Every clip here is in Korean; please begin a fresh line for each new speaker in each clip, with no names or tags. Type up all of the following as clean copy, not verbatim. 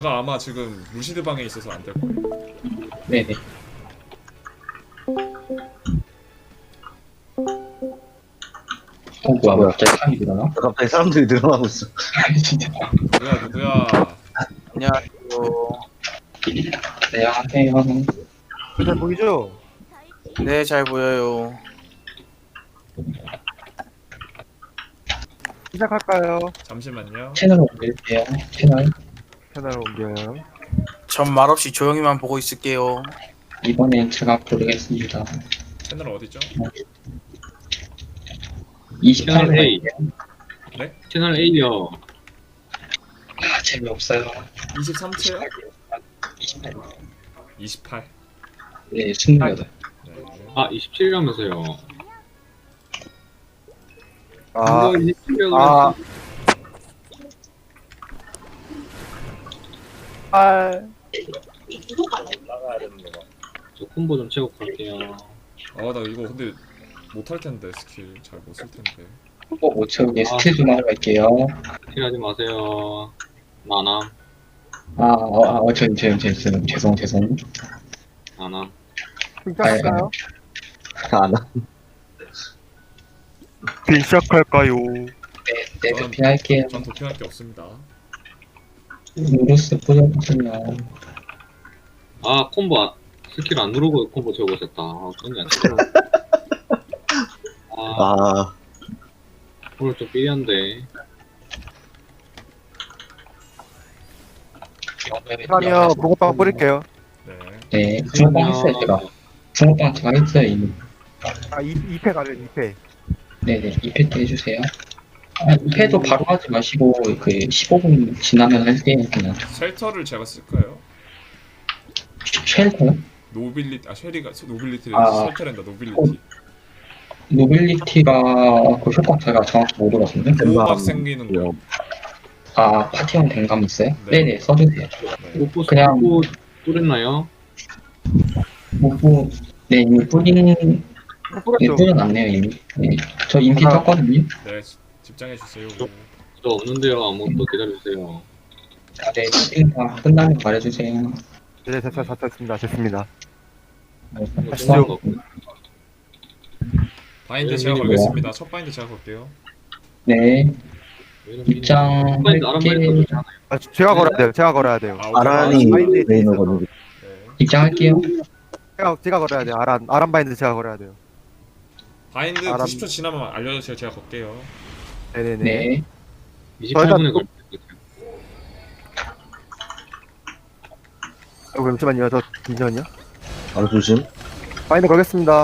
가 아마 지금 루시드 방에 있어서 안 될 거예요.
네네. 뭐야, 갑자기 사람이 일어나?
갑자기 사람들이 늘어나고 있어.
진짜.
누구야?
안녕하세요.
네, 안녕하세요.
잘 보이죠?
네, 잘 보여요.
시작할까요?
잠시만요.
채널을 옮길게요. 채널.
채널 옮겨요.
전 말없이 조용히만 보고 있을게요.
이번엔 제가 고르겠습니다.
채널 어디죠?
28로
A.
갈게요.
네?
채널 A요.
아, 재미없어요.
23채요?
28.
28.
네, 28.
네.
아, 27이라면서요.
아,
27이라고
아. 아,
저 콤보 좀 채우고 갈게요.
나 이거 근데 못할 텐데 스킬 잘 못 쓸 텐데.
못 채우게 스킬 좀 하러 갈게요.
필요하지 마세요. 나남,
죄송.
나남.
시작할까요?
안 와.
시작할까요?
네, 도피할게요.
전 도핑할 게 없습니다.
누르스 뿌려보시면.
아, 콤보 스킬 안 누르고 콤보 채우고 있었다. 아, 그런 게안 채워. 아, 오늘 좀 삐리한데.
아니요, 붕어빵 뿌릴게요.
네.
네, 붕어빵 했어요, 제가. 붕어빵 제가 했어요, 이미.
아, 2패 가죠, 2패.
네네, 2패 때 해주세요. 2패도 바로 하지 마시고, 15분 지나면 할게요, 그냥.
쉘터를 제가 쓸까요?
쉘터요?
쉘리가 노빌리티를
아.
쉘터랜다 노빌리티.
노빌리티가 그 효과 제가 정확히 못 들었는데.
보호막 생기는 거.
아, 파티형 댕감 있어요?
네.
네네, 써주세요.
네.
오프
그냥-
콤보 뚫었나요?
네, 이미 네,
뿌렸죠?
뿌려놨네요, 이미. 네. 저 인피
하나.
떴거든요.
네. 집장해 주세요.
저 없는데요. 아무것도 기다려주세요.
아, 네, 스팅 다 끝나면 말해주세요.
네, 됐습니다.
뭐
하시죠.
중요한 거 없고.
바인드 제가
뭐야?
걸겠습니다. 첫 바인드 제가 걸게요.
네,
왜냐면
입장
아란바인드
할게,
좋잖아요.
아, 제가 걸어야 돼요.
아란이
바인드에
메인어
있어서.
거는
네.
입장할게요.
제가 걸어야 돼요. 아란 바인드 제가 걸어야 돼요.
바인드
아란-
90초 지나면 알려주세요. 제가 걸게요.
네네네.
네,
28분에 걸
잠시만요. 잠시만요.
바로 조심.
바인드 걸겠습니다.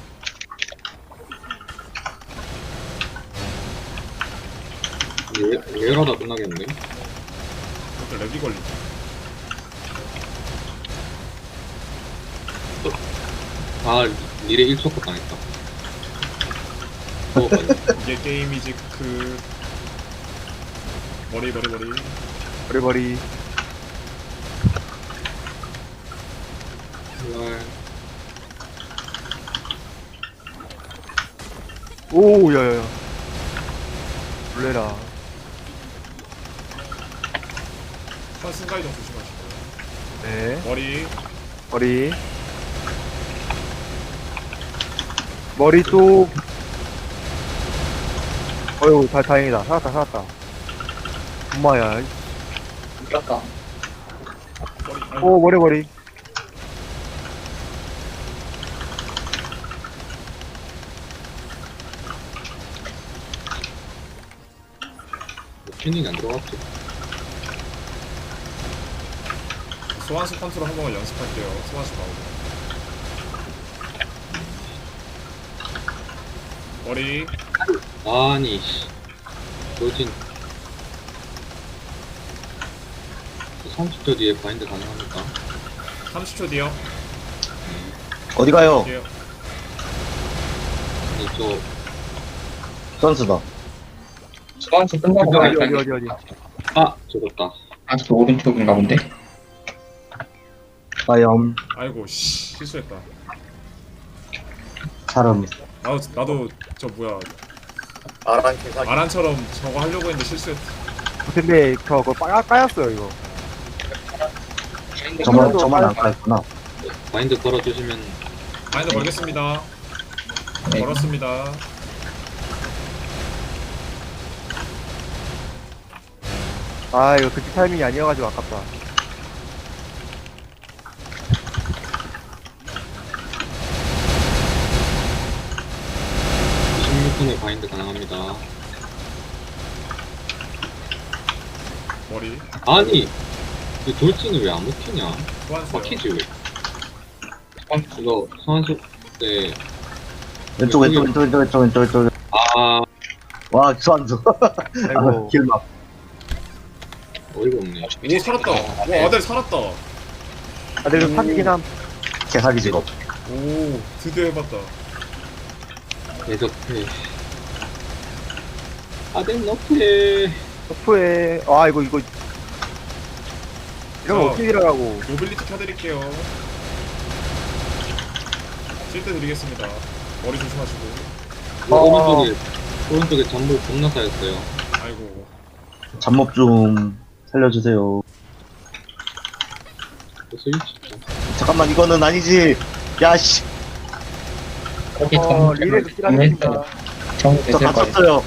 얘라다 끝나겠는데?
또 렉이 걸리죠.
아, 미래 1초컷 당했다. 어,
이게 게임이지 머리.
버리버리. 오, 야야야. 놀래라.
순간이동 조심하시고요.
네.
머리.
머리 쪽. 어휴, 다행이다. 살았다. 엄마야.
이겼다.
머리.
오, 머리.
튜닝이 안 들어갔지.
소환수 컨트롤 한 번만 연습할게요. 소환수 나오고. 머리.
아니, 씨. 돌진. 30초 뒤에 바인드 가능합니까?
30초 뒤요.
어디 가요?
뒤에요.
이쪽,
선수다.
수완수 끝나고
어디.
갈까요?
아! 죽었다.
아직도 오른쪽인가 본데?
과염.
아이고 씨 실수했다.
사람.
나도 저 뭐야 아란처럼 저거 하려고 했는데 실수했다.
근데 저거 까였어요 이거.
저만 안 깔았구나.
마인드 걸어주시면
마인드 걸겠습니다.
네.
걸었습니다.
아, 이거 그때 타이밍이 아니어가지고 아깝다.
16분에 바인드 가능합니다.
머리.
아니 이 돌진이 왜 안 먹히냐?
소환수요.
막히지 왜? 이거 소환수 때
왼쪽.
아
와, 수완수.
아이고.
길막.
어이가 없네.
오 살았다. 와 아델 살았다.
아, 근데 이거 사기긴 함.
개사기 직업.
오 드디어 해봤다.
대접해. 아덴 너프해.
터프에, 아, 이거. 이러면
자.
어떻게 일어나고.
모빌리티 켜드릴게요. 실드 드리겠습니다. 머리 조심하시고.
오른쪽에 전부 겁나 쌓였어요.
아이고.
잡몹 좀 살려주세요.
스위치.
잠깐만, 이거는 아니지. 야, 씨.
거기
리레도 필요합니다.
정우
저
되실 거예요.
갇혔어요.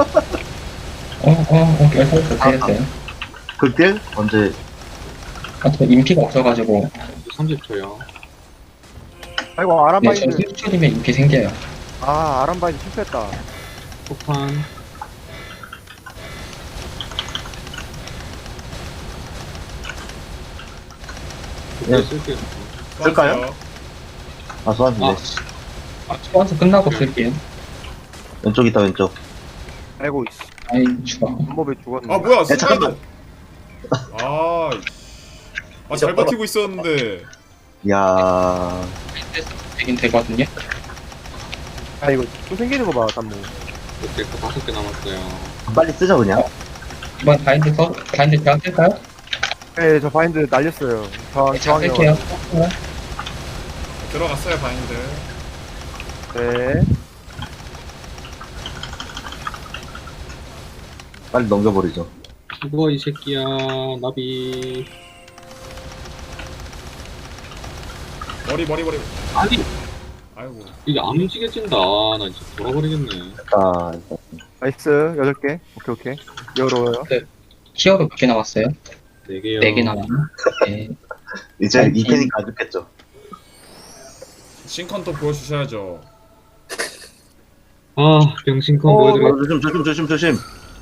결국 됐어요.
극딜? 언제?
저 인피가 없어가지고.
30초요.
아이고,
네, 저
아람바인드.
1초이면 인피 생겨요.
아, 아람바인드 실패했다.
폭탄.
네.
쓸게요.
쓸까요?
소환수요.
아, 수완수.
아.
소환수 끝나고 쓸게요.
왼쪽 있다, 왼쪽.
아이고, 씨.
아이, 죽어.
방법에 죽었네.
아 뭐야?
잠깐만.
잘 버티고 있었는데.
야
되긴 되거든요.
아, 이거 또 생기는 거 봐, 단무.
이렇게 5개 남았어요.
빨리 쓰자, 그냥.
이번 바인드 제가 쓸까요?
네, 저 바인드 날렸어요.
제가
저항이요.
쓸게요.
들어갔어요 바인드.
네.
빨리 넘겨버리죠.
죽어 이 새끼야. 나비.
머리.
아니
아이고.
이게 안 움직여진다. 나 진짜 돌아버리겠네.
자,
나이스. 8개. 오케이. 열어요.
히어로 몇 개 남았어요?
4개요.
4개 남았나? 네.
이제
아니,
이 팬이 가죽겠죠.
싱컨 보여주셔야죠.
아 병신컨 보여드려.
조심.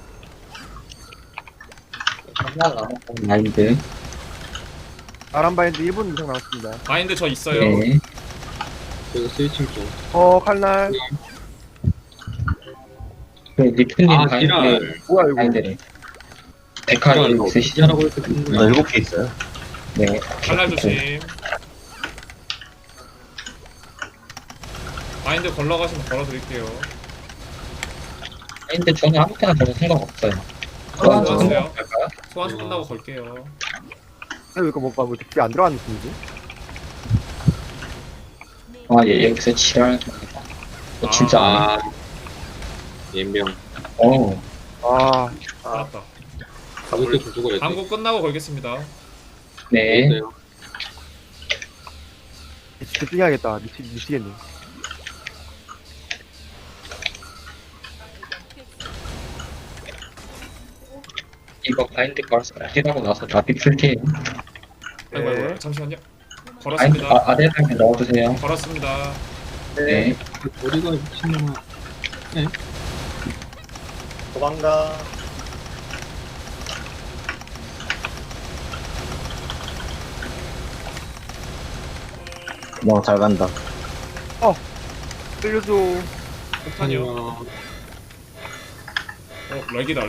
하나 남았던 마인드.
아람바인드 1분 이상 남았습니다.
바인드 저 있어요.
네.
스위칭 좀.
칼날.
그 리프님
아
바인드,
지랄.
뭐야, 이거.
바인드래. 데카리 있으시죠?
지랄하고 이렇게 되는
나
거야.
7개 있어요.
네.
칼날 조심. 바인드 걸러가시면 걸어드릴게요.
바인드 저는 아무 때나 저는 상관없어요.
소환수
소환수
하세요.
할까요?
소환수 끝나고 걸게요.
이거 뭔가 뭐 되게 안 들어가는 느낌이지?
아, 여기서 지랄. 진짜 안 해.
아 연병.
아,
살았다.
가볍게 좀 죽어야지.
당구 끝나고 걸겠습니다.
네.
있어요.
집중해야겠다. 미치겠네.
이거 바인드 걸어서 힐하고 나서 나비 풀게요.
아이고,
네.
아이고 잠시만요.
바인드
걸었습니다.
아래상에 넣어주세요.
걸었습니다.
네.
어디가 미친놈아.
도망가. 잘 간다.
살려줘.
폭탄이요. 렉이다.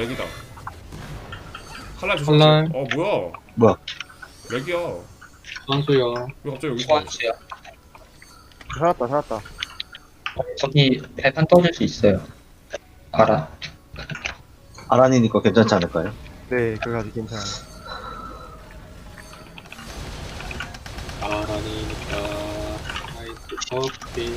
칼날 조심하세요.
칼날.
뭐야?
뭐야?
렉이야.
선수야.
왜 갑자기 여기 있어?
소환수요.
살았다.
저기 발판 떠줄 수 있어요. 알아.
아란이니까 괜찮지 않을까요?
네, 그거 아주 괜찮아요.
아라니까 나이스 커피.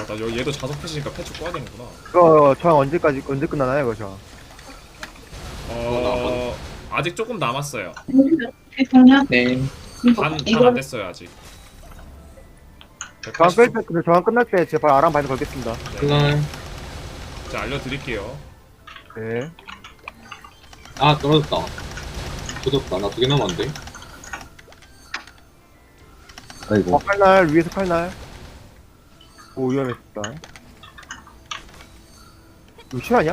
나 얘도 자석 패시니까 패치 꺼야 되는구나.
그거 저항 언제 끝나나요, 그거 저항?
아직 조금 남았어요.
네.
반 안 됐어요 아직.
저항
180.
뺄 때, 저항 끝날 때 제발 아랑 바인드 걸겠습니다.
칼날.
자 알려드릴게요.
네.
아, 떨어졌다. 조졌다. 나 2개 남았는데.
아이고.
칼날, 위에서 칼날. 오, 위험했다. 이거 실화냐?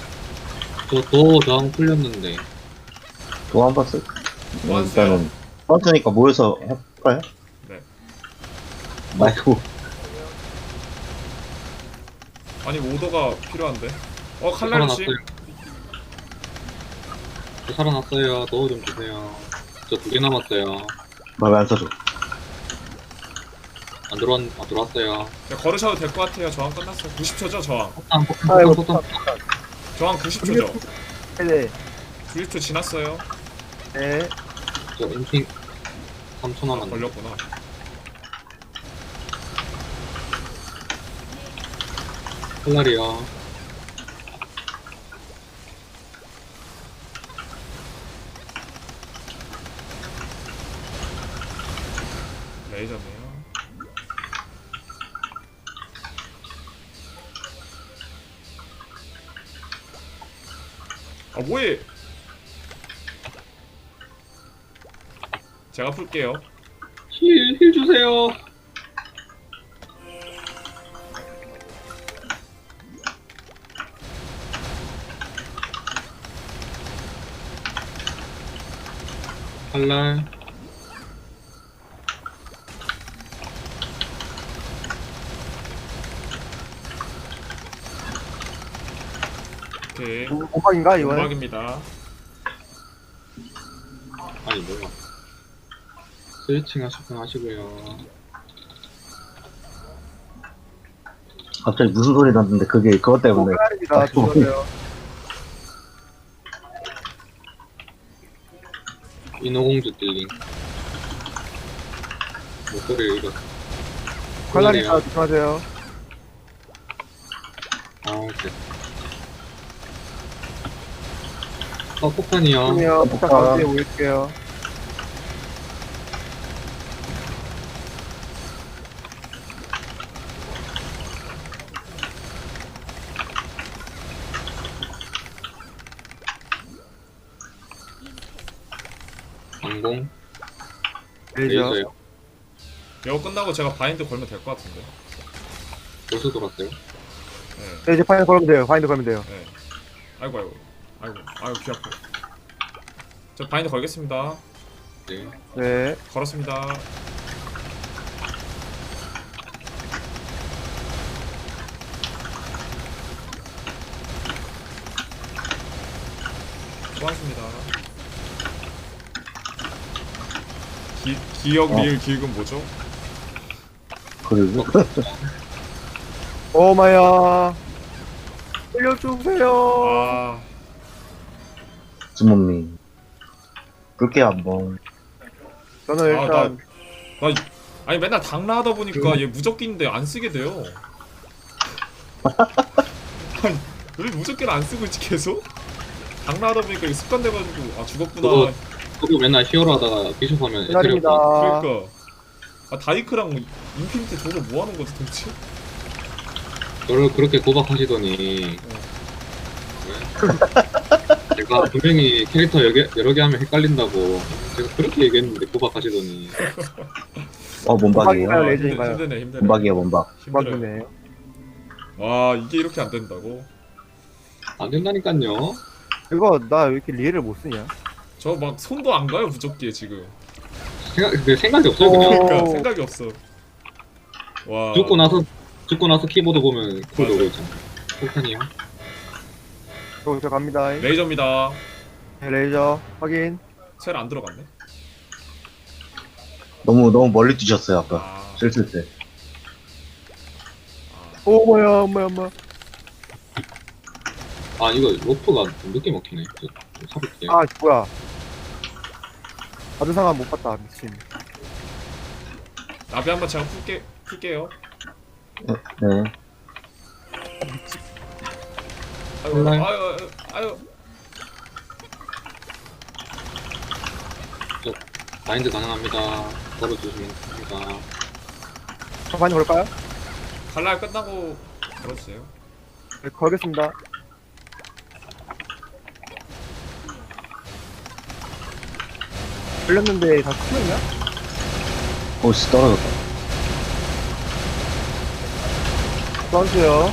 또 저항 풀렸는데.
또 한 번 쓸.
또
일단은 뻔트니까 모여서 할까요?
네.
아이고.
아니 오더가 필요한데.
저
칼날씨.
살아났어요. 저 살아났어요. 도우 좀 주세요. 저 2개 남았어요.
말 안 써줘.
들어왔어요.
걸으셔도 될 것 같아요. 저항 끝났어요. 90초죠 저항.
아이고,
폭탄.
저항 90초죠.
네.
90초 지났어요.
네.
저 인팅 3초 남았네.
걸렸구나.
칼날이요.
레이저네요. 아 뭐해? 제가 풀게요.
힐 주세요. 칼날.
오케이.
오박인가, 이거는?
음악입니다.
아니 뭐야. 스위칭 하시고요.
갑자기 무슨 소리 났는데 그게 그것 때문에.
칼날입니다. 죽었어요.
인어공주 딜링. 목소리를 읽었어.
칼날이다. 조심하세요.
아, 오케이. 폭탄이요.
그러면 폭탄 가운데 올릴게요.
방공.
레이저.
레이저요.
이거 끝나고 제가 바인드 걸면 될 것 같은데.
벌써 돌았어요?
네.
네, 이제 파인드 걸면 돼요. 파인드 걸면 돼요.
네. 아이고 귀 아파. 저 바인드 걸겠습니다.
네.
네.
걸었습니다. 수고하셨습니다. 기억 리을 기획은 뭐죠?
그리고
오마야. 살려주세요.
아
주모님. 붉게 한번.
저는
아,
일단
나 아니 맨날 당라 하다 보니까 얘 무적기인데 안 쓰게 돼요. 아니 왜 무적기를 안 쓰고 있지 계속? 당라 하다 보니까 이게 습관 돼가지고 아 죽었구나.
저도 맨날 히어로 하다가 비숍 하면
기다립니다.
그러니까 아 다이크랑 인피니트 저거 뭐 하는 거지 도대체?
저를 그렇게 고박하시더니 제가 분명히 캐릭터 여러 개 하면 헷갈린다고 제가 그렇게 얘기했는데 고박하시더니
몸박이에요.
오박인가요? 레이저인가요?
힘드네.
몸박이에요, 몸박.
힘들어요.
막이네.
와 이게 이렇게 안 된다고?
안 된다니까요.
이거 나 왜 이렇게 리에를 못 쓰냐?
저 막 손도 안 가요 무적기에 지금.
내 생각이 없어요 그냥.
그러니까
오.
생각이 없어. 와.
죽고 나서 키보드 보면 그거 오고 있잖아. 폭탄이요.
저 갑니다.
레이저입니다.
네, 레이저 확인.
셀 안 들어갔네.
너무 멀리 뛰셨어요, 아까.
아,
쓸쓸 때.
오 뭐야 뭐야 뭐야.
아 이거 로프가 좀 늦게 먹히네. 좀 사볼게.
아 뭐야. 받은 상황 못 봤다 미친.
나비 한번 제가 풀게요.
네.
아유
네.
아유
마인드 가능합니다. 걸어주시면 됩니다.
많이 걸까요?
칼날 끝나고 걸어주세요.
네, 걸겠습니다. 걸렸는데 다 풀렸냐?
오씨, 떨어졌다.
써주세요.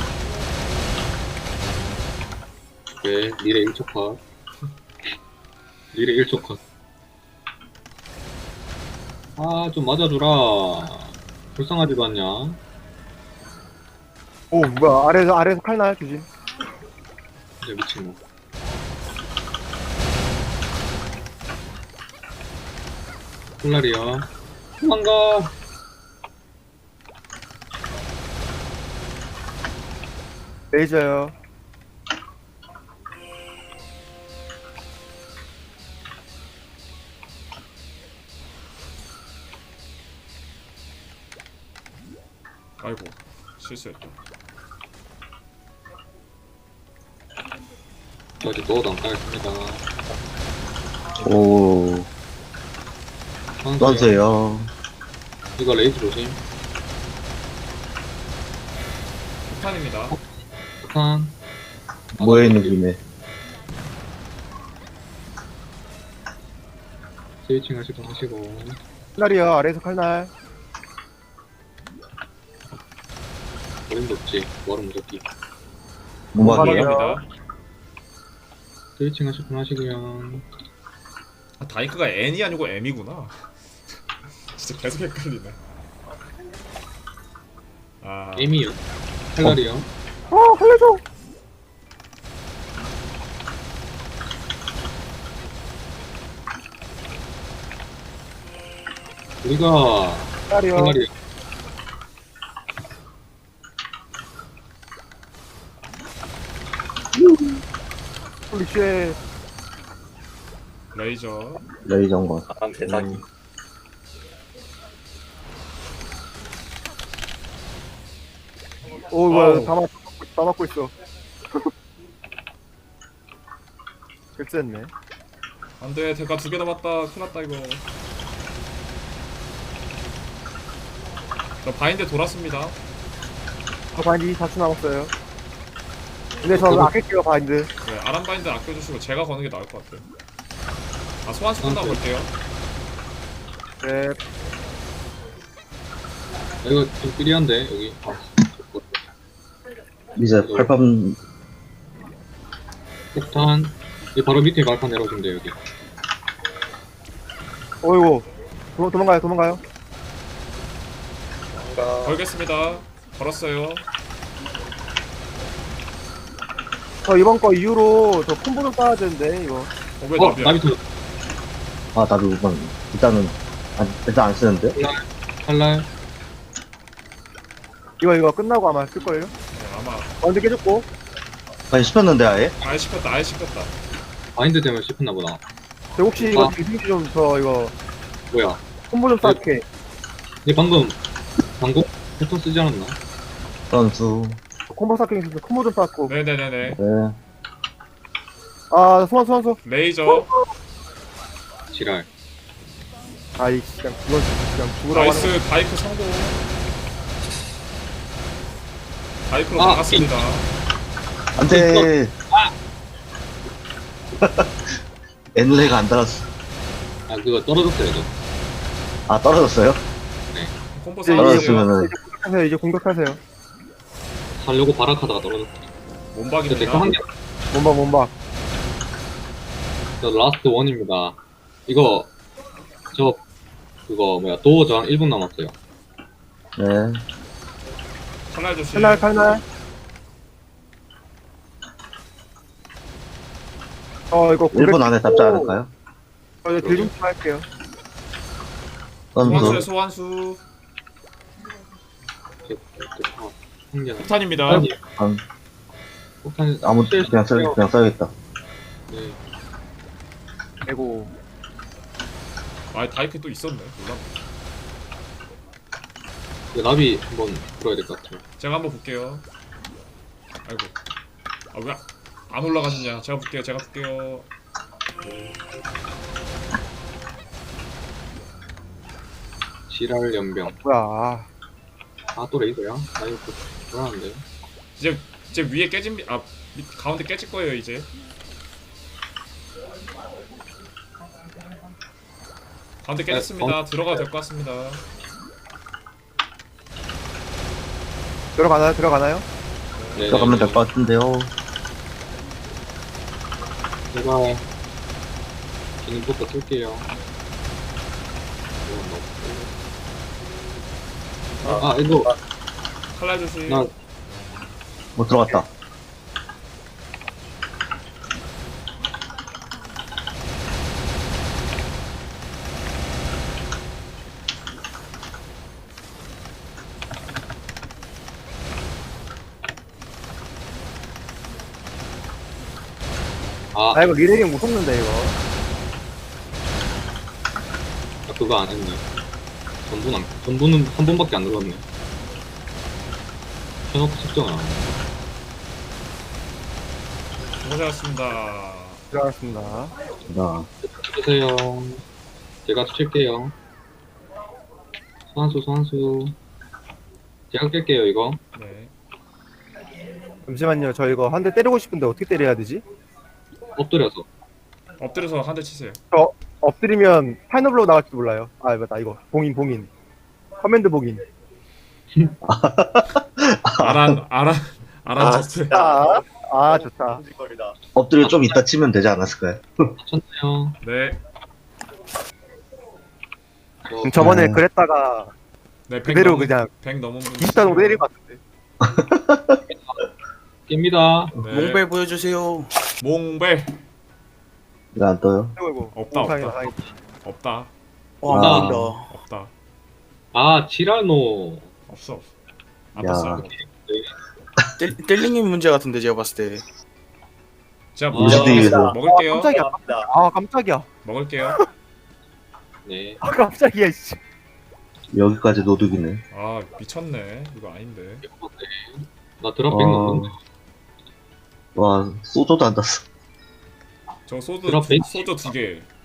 네, 미래 1초 컷. 미래 1초 컷. 아, 좀 맞아주라. 불쌍하지도 않냐?
오, 뭐야. 아래에서 칼날 조심.
진짜 미친놈. 콜라리야. 도망가!
레이저요.
아이고 실수했다.
저 아직 넣어도 안 까겠습니다.
오, 써주세요.
이거 레이즈 조심.
폭탄입니다.
폭탄.
모여있는 김에.
스위칭 하시고.
칼날이요. 아래에서 칼날.
어림도 없지. 머름 무섭기.
무막이에요?
음악입니다.
스위칭 하시고요.
아, 다이크가 N이 아니고 M이구나. 진짜 계속 헷갈리네. 아
에미요. 칼날이요.
살려줘!
우리가
칼날이요.
칼날이요.
홀리쉣.
레이저.
레이저인 것.
사람 대사기.
오,
아우.
뭐야. 다 맞고 있어. 글쎄했네.
안돼 대가 2개 남았다. 큰일났다 이거. 저 바인드 돌았습니다.
저 바인드 24초 남았어요. 근데 저 아낄게요, 바인드.
네, 아람 바인드 아껴주시고 제가 거는 게 나을 것 같아요. 아 소환수 끝나고 볼게요.
네.
아, 이거 좀 삐리한데, 여기. 아,
이제 팔밤,
폭탄. 이 바로 밑에 발판 내려주면 돼요, 여기.
어이구. 도망가요.
뭔가
걸겠습니다. 걸었어요.
저 이번 거 이후로 저 콤보 좀 따야 되는데, 이거.
왜 나비야?
나비트.
아, 나도 우선, 일단은, 일단 안 쓰는데?
칼날.
이거 끝나고 아마 쓸걸요?
네, 아마
바인드 깨졌고.
아니, 씹혔는데, 아예?
아예 씹혔다. 아예 씹혔다.
바인드 때문에 씹혔나 보다.
저 혹시 이거
아.
디빙 좀저 이거
뭐야.
콤보 좀 쌓게.
얘 방금 패턴 쓰지 않았나?
선수.
콤보 쌓게 있어서 콤보 좀 쌓고.
네네네네.
네.
아, 소환수.
레이저.
지랄.
아이씨, 그냥 죽으라고 하는
나이스 다이크 성공. 다이크로
아,
나갔습니다.
안 돼! 엔레가 안 달았어.
아, 그거 떨어졌어요, 저.
아, 떨어졌어요?
콤보
이제
싸우세요.
떨어졌으면은,
이제 공격하세요.
살려고 발악하다가 떨어졌어. 근데 그
몸박입니다.
한 개,
몸박.
저 라스트 원입니다. 이거, 그거, 뭐야, 도어 저항 1분 남았어요.
네.
칼날 조심.
칼날. 이거
1분 안에 잡지 않을까요?
이제 딜좀 할게요.
소환수의
선수.
소환수.
한 개.
폭탄입니다.
한,
폭탄,
그냥 써야겠다.
네.
아이고.
아 다이크 또 있었네. 몰라.
이거 나비 한번 풀어야 될 것 같아요.
제가 한번 볼게요. 아이고. 아 왜 안 올라가시냐? 제가 볼게요. 제가 볼게요.
지랄 연병.
뭐야.
아, 또 레이더야? 아, 이거 불안한데.
이제 위에 깨진 가운데 깨질 거예요 이제. 가운데 깨졌습니다. 들어가도 될 것 같습니다.
들어가나요? 들어가나요?
네,
들어가면 될 것 같은데요.
제가 기능부터 쓸게요. 아, 이거
칼날 조심.
나
못 들어갔다.
아, 이거 리레깅 못 속는데, 이거.
그거 안 했네. 전부는 한 번밖에 안 눌렀네. 켜놓고 측정을 안 해.
고생하셨습니다.
들어갔습니다.
나
주세요. 제가 칠게요. 소환수. 제가 깰게요, 이거.
네.
잠시만요. 저 이거 한 대 때리고 싶은데 어떻게 때려야 되지?
엎드려서.
엎드려서 한 대 치세요.
저 엎드리면 파이너블로 나갈지도 몰라요. 아, 맞다. 이거. 봉인. 커맨드 봉인.
아란 자체.
아, 좋다.
엎드려 좀 이따 치면 되지 않았을까요?
맞췄나요?
네.
저번에 그랬다가
네.
그대로 그냥
100 넘은 분.
20단으로 때릴 것 같은데.
깹니다.
네.
몽벨 보여주세요.
몽벨.
이거 안 떠요?
아이고.
없다,
다행이다,
없다.
다행이다.
없다.
와,
아.
안다.
없다.
아, 지라노.
없어. 안
야.
떴어요.
뗄링님 문제 같은데 제가 봤을 때.
제가
무슨
먹을게요.
깜짝이야. 아, 깜짝이야.
먹을게요.
네.
아, 깜짝이야, 씨.
여기까지 노득이네.
아 미쳤네. 이거 아닌데.
나 드랍백 넣는데.
와, 소저도 안 땄어.
저 소주
드랍 베이스.
소주 2개.